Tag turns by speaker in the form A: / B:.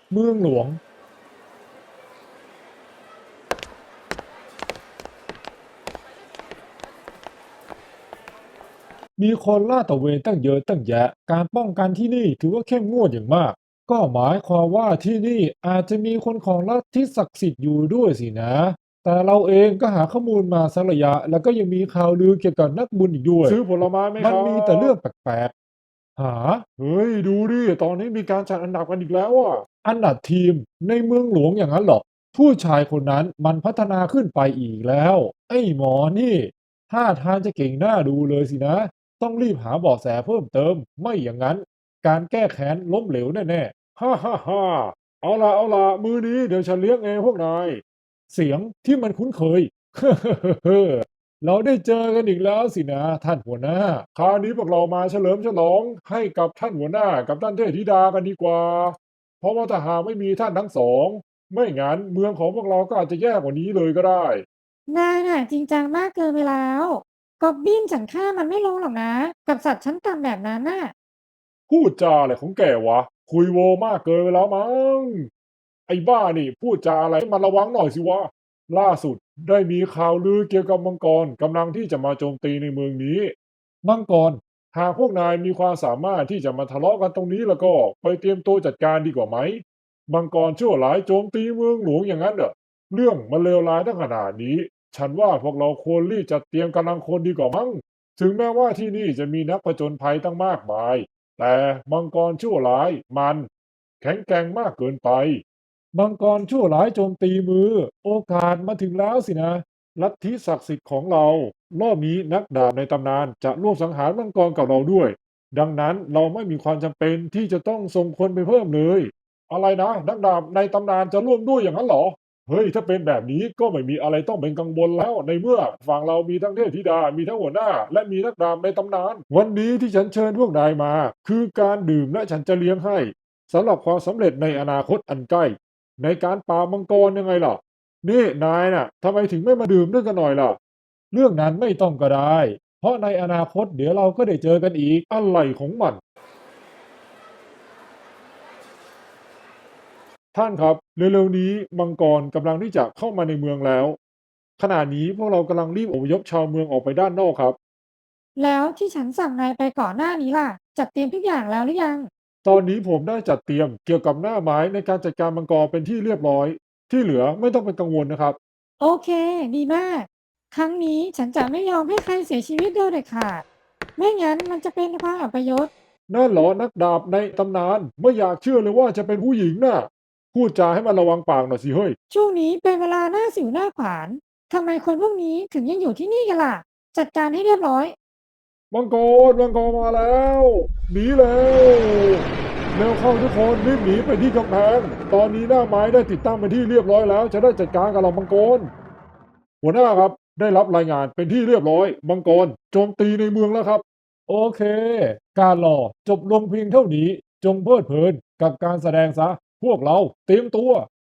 A: เมืองหลวงมีคนลาดตระเวนตั้งเยอะตั้งแยะการป้องกันที่นี่ถือว่าเข้มงวดอย่างมากก็หมายความว่าที่นี่อาจจะมีคนของลัทธิศักดิ์สิทธิ์อยู่ด้วยสินะแต่เราเองก็หาข้อมูลมาสักระยะแล้วก็ยังมีข่าวลือเกี่ยวกับนักบุญอีกด้วย
B: ซื้อผลไม้ไหม
A: มัน
B: ครั
A: มีแต่
B: บ
A: เรื่องแปลกๆหา
B: เฮ้ยดูดิตอนนี้มีการจัดอันดับกันอีกแล้วอ่ะ
A: อันดับทีมในเมืองหลวงอย่างนั้นเหรอผู้ชายคนนั้นมันพัฒนาขึ้นไปอีกแล้วไอ้หมอนี่ท่าทางจะเก่งหน้าดูเลยสินะต้องรีบหาเบาะแสเพิ่มเติมไม่อย่างนั้นการแก้แค้นล้มเหลวแน่
B: ฮ่าฮ่าฮ่าเอาละมือนี้เดี๋ยวฉันเลี้ยงเองพวกนาย
A: ๆเสียงที่มันคุ้นเคยเราได้เจอกันอีกแล้วสินะท่านหัวหน้า
B: คราวนี้พวกเรามาเฉลิมฉลองให้กับท่านหัวหน้ากับท่านเทพธิดากันดีกว่าเพราะว่าถ้าหากไม่มีท่านทั้งสองไม่งั้นเมืองของพวกเราก็อาจจะแย่กว่านี้เลยก็ได้
C: นายน่ะจริงจังมากเกินไปแล้วกอบบินฉันฆ่ามันไม่ลงหรอกนะกับสัตว์ชั้นต่ำแบบนั้นน่ะ
B: พูดจาอะไรของแกวะคุยโวมากเกินไปแล้วมั้ง ไอ้บ้านี่พูดจาอะไรให้มันระวังหน่อยสิวะล่าสุดได้มีข่าวลือเกี่ยวกับมังกรกำลังที่จะมาโจมตีในเมืองนี้
A: มังกร
B: หากพวกนายมีความสามารถที่จะมาทะเลาะกันตรงนี้แล้วก็ไปเตรียมตัวจัดการดีกว่าไหมมังกรชั่วร้ายโจมตีเมืองหลวงอย่างนั้นเหรอเรื่องมันเลวร้ายตั้งขนาดนี้ฉันว่าพวกเราควรรีบจัดเตรียมกำลังคนดีกว่ามั้งถึงแม้ว่าที่นี่จะมีนักผจญภัยตั้งมากมายแต่มังกรชั่วร้ายมันแข็งแกร่งมากเกินไป
A: มังกรชั่วร้ายโจมตีมือโอกาสมาถึงแล้วสินะ
B: ลัทธิศักดิ์สิทธิ์ของเรารอบนี้นักดาบในตำนานจะร่วมสังหารมังกรกับเราด้วยดังนั้นเราไม่มีความจำเป็นที่จะต้องส่งคนไปเพิ่มเลยอะไรนะนักดาบในตำนานจะร่วมด้วยอย่างนั้นเหรอเฮ้ยถ้าเป็นแบบนี้ก็ไม่มีอะไรต้องเป็นกังวลแล้วในเมื่อฝั่งเรามีทั้งเทพธิดามีทั้งหัวหน้าและมีนักดาบในตำนานวันนี้ที่ฉันเชิญพวกนายมาคือการดื่มและฉันจะเลี้ยงให้สำหรับความสำเร็จในอนาคตอันใกล้ในการปราบมังกรยังไงล่ะ นี่นายน่ะทำไมถึงไม่มาดื่มด้วยกันหน่อยล่ะ
A: เรื่องนั้นไม่ต้องก็ได้ เพราะในอนาคตเดี๋ยวเราก็ได้เจอกันอีก
B: อะไรของมันท่านครับเร็วๆนี้มังกรกำลังที่จะเข้ามาในเมืองแล้วขณะนี้พวกเรากำลังรีบอพยพชาวเมืองออกไปด้านนอกครับ
C: แล้วที่ฉันสั่งนายไปก่อนหน้านี้ล่ะจัดเตรียมทุกอย่างแล้วหรือยัง
B: ตอนนี้ผมได้จัดเตรียมเกี่ยวกับหน้าไม้ในการจัดการมังกรเป็นที่เรียบร้อยที่เหลือไม่ต้องเป็นกังวลนะครับ
C: โอเคดีมากครั้งนี้ฉันจะไม่ยอมให้ใครเสียชีวิตโดยเด็ดขาดไม่งั้นมันจะเป็นความอัปยศ
B: นั่นเหรอนักดาบในตำนานไม่อยากเชื่อเลยว่าจะเป็นผู้หญิงน่ะพูดจาให้มันระวังปากหน่อยสิเฮ้ย
C: ช่วงนี้เป็นเวลาหน้าสิวหน้าขวานทำไมคนพวกนี้ถึงยังอยู่ที่นี่กันล่ะจัดการให้เรียบร้อย
B: มังกรมาแล้วหนีแล้วเร็วเข้าทุกคนรีบหนีไปที่กำแพงตอนนี้หน้าไม้ได้ติดตั้งเป็นที่เรียบร้อยแล้วจะได้จัดการกับเหล่ามังกรหัวหน้าครับได้รับรายงานเป็นที่เรียบร้อยมังกรโจมตีในเมืองแล้วครับ
A: โอเค การรอจบลงเพียงเท่านี้ จงเพลิดเพลินกับการแสดงซะ พวกเราเตรียมตัว